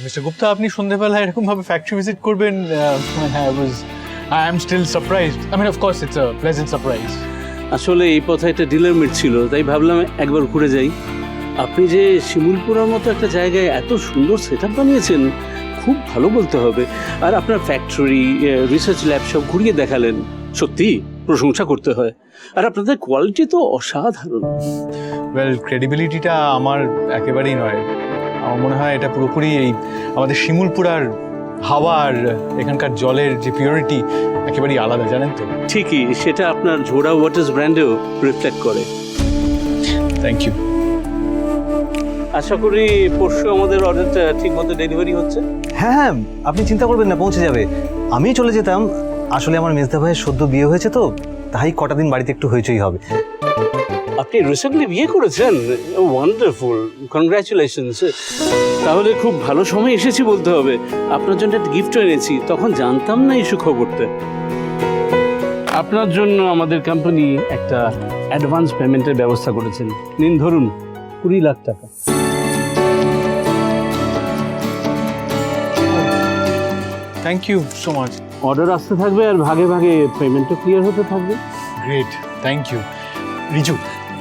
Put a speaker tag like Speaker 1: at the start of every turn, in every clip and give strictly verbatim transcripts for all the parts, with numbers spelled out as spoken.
Speaker 1: Mister Gupta, আপনি সন্ধ্যাবেলায় এরকম ভাবে ফ্যাক্টরি ভিজিট করবেন, হ্যাঁ, I was I am still surprised. I mean of course it's a pleasant surprise.
Speaker 2: আসলে এই পথে একটা ডিলার মিট ছিল, তাই ভাবলাম একবার ঘুরে যাই। আপনি যে শিমুলপুরার মতো একটা জায়গায় এত সুন্দর সেট আপ বানিয়েছেন, খুব ভালো বলতে হবে। আর আপনার ফ্যাক্টরি, রিসার্চ ল্যাব সব ঘুরিয়ে দেখালেন, সত্যি প্রশংসা করতে হয়। আর আপনাদের কোয়ালিটি তো অসাধারণ।
Speaker 1: ওয়েল, ক্রেডিবিলিটিটা আমার একেবারেই নয়। আমার মনে হয় এটা পুরোপুরি এই আমাদের শিমুলপুরার হাওয়া আর এখানকার জলের যে পিওরিটি একেবারেই আলাদা, জানেন তো।
Speaker 2: ঠিকই, সেটা আপনার ঝোড়া ওয়াটার্স ব্র্যান্ডেও রিফ্লেক্ট করে।
Speaker 1: Thank you.
Speaker 2: আশা করি পরশু আমাদের অর্ডারটা ঠিক মতো ডেলিভারি হচ্ছে।
Speaker 3: হ্যাঁ হ্যাঁ, আপনি চিন্তা করবেন না, পৌঁছে যাবে। আমি চলে যেতাম, আসলে আমার মেজদা ভাইয়ের সদ্য বিয়ে হয়েছে তো, তাই কটা দিন বাড়িতে একটু হইচই হবে।
Speaker 2: আপনি রিসেন্টলি বিয়ে করেছেন? Wonderful, congratulations. তাহলে খুব ভালো সময় এসেছি বলতে হবে। আপনার জন্য একটা গিফট এনেছি, তখন জানতাম না এই সুখবরটা। আপনার জন্য আমাদের কোম্পানি একটা অ্যাডভান্স পেমেন্টের ব্যবস্থা করেছেন। নিন, ধরুন, কুড়ি লাখ টাকা।
Speaker 1: Thank you so much.
Speaker 2: Order আসতে থাকবে আর ভাগে ভাগে পেমেন্টও ক্লিয়ার হতে থাকবে।
Speaker 1: Great, thank you. রিজু,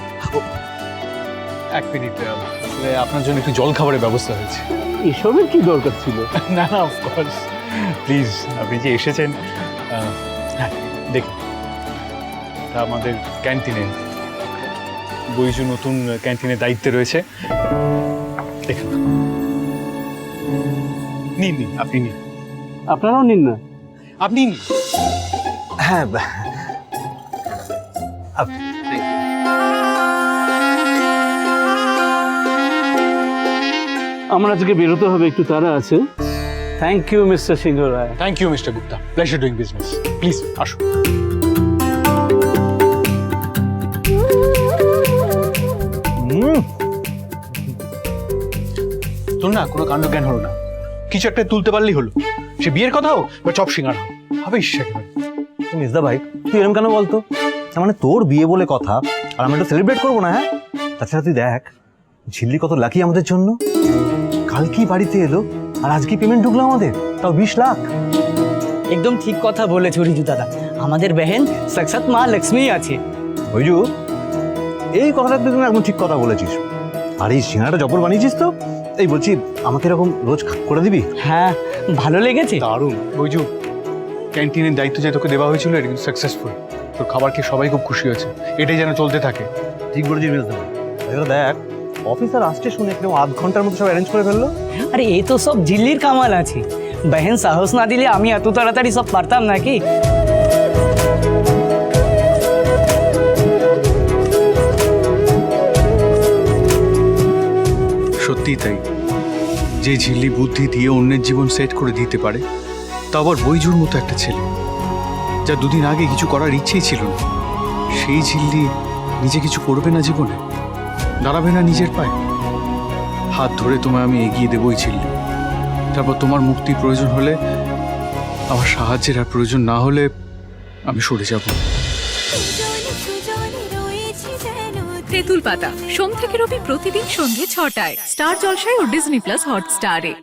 Speaker 1: এক মিনিট, আসলে আপনার জন্য একটু জল খাবারের ব্যবস্থা হয়েছে।
Speaker 2: এসবের কি দরকার ছিল?
Speaker 1: না না, অফকোর্স, প্লিজ, আপনি যে এসেছেন। হ্যাঁ, দেখুন, এটা আমাদের ক্যান্টিনে, বইজু নতুন ক্যান্টিনের দায়িত্বে রয়েছে। দেখুন, নিন নিন, আপনি নিন।
Speaker 2: আপনারাও নিন না।
Speaker 1: আপনি নিন।
Speaker 3: হ্যাঁ,
Speaker 2: আমার আজকে বেরোতে হবে, একটু তাড়া আছে। Thank you mister Singha Roy.
Speaker 1: Thank you mister Gupta, pleasure doing business. Please আসুন।
Speaker 3: হুম,
Speaker 1: তোর না কোনো কাণ্ড জ্ঞান হলো না, কিছু একটা তুলতে পারলেই হলো। সে বিয়ের কথা হোক বা চপ সিঙ্গার হোক, হবে একেবারে।
Speaker 3: মেজদা ভাই, তুই এরকম কেন বলতো? তার মানে তোর বিয়ে বলে কথা, আর আমরা একটু সেলিব্রেট করবো না? হ্যাঁ, তাছাড়া তুই দেখ, ঝিল্লি কত লাকি আমাদের জন্য। কালকেই বাড়িতে এলো, আর আজকে পেমেন্ট ঢুকলো আমাদের, তাও বিশ লাখ।
Speaker 4: একদম ঠিক কথা বলেছ রিজু দাদা, আমাদের বেহেন সাক্ষাৎ মা লক্ষ্মী আছে।
Speaker 3: ওইজু, এই কথাটা তুই একদম ঠিক কথা বলেছিস। আর এই সিঙ্গাড়াটা জবর বানিয়েছিস তো। এই বলছি, আমাকে এরকম রোজ করে দিবি?
Speaker 4: হ্যাঁ, ভালো লেগেছে।
Speaker 1: দারুণ। বৈজু, ক্যান্টিনের দায়িত্ব যে তোকে দেওয়া হয়েছিল এটা কিন্তু সাকসেসফুল। তোর খাবার খেয়ে সবাই খুব খুশি হয়েছে, এটাই যেন চলতে থাকে।
Speaker 3: ঠিক বলেছিস মেজদা ভাই। এবার দেখ, অফিসার আসছে শুনে একদম আধ ঘন্টার মধ্যে সব অ্যারেঞ্জ করে ফেললো।
Speaker 4: আরে এই তো সব ঝিল্লির কামাল আছে, বেহেন সাহস না দিলে আমি এত তাড়াতাড়ি সব পারতাম নাকি।
Speaker 1: সত্যিই তাই, যে ঝিল্লি বুদ্ধি দিয়ে অন্যের জীবন সেট করে দিতে পারে, তা আবার বৈজুর মতো একটা ছেলে, যা দুদিন আগে কিছু করার ইচ্ছেই ছিল না, সেই ঝিল্লি নিজে কিছু করবে না জীবনে, দাঁড়াবে না নিজের পায়ে। হাত ধরে তোমায় আমি এগিয়ে দেবই ঝিল্লি। তারপর তোমার মুক্তির প্রয়োজন হলে, আমার সাহায্যের আর প্রয়োজন না হলে আমি সরে যাব।
Speaker 5: তেঁতুল পাতা সোম থেকে রবি প্রতিদিন সন্ধ্যে ছটায় স্টার জলসায় ও ডিজনি প্লাস হটস্টারে।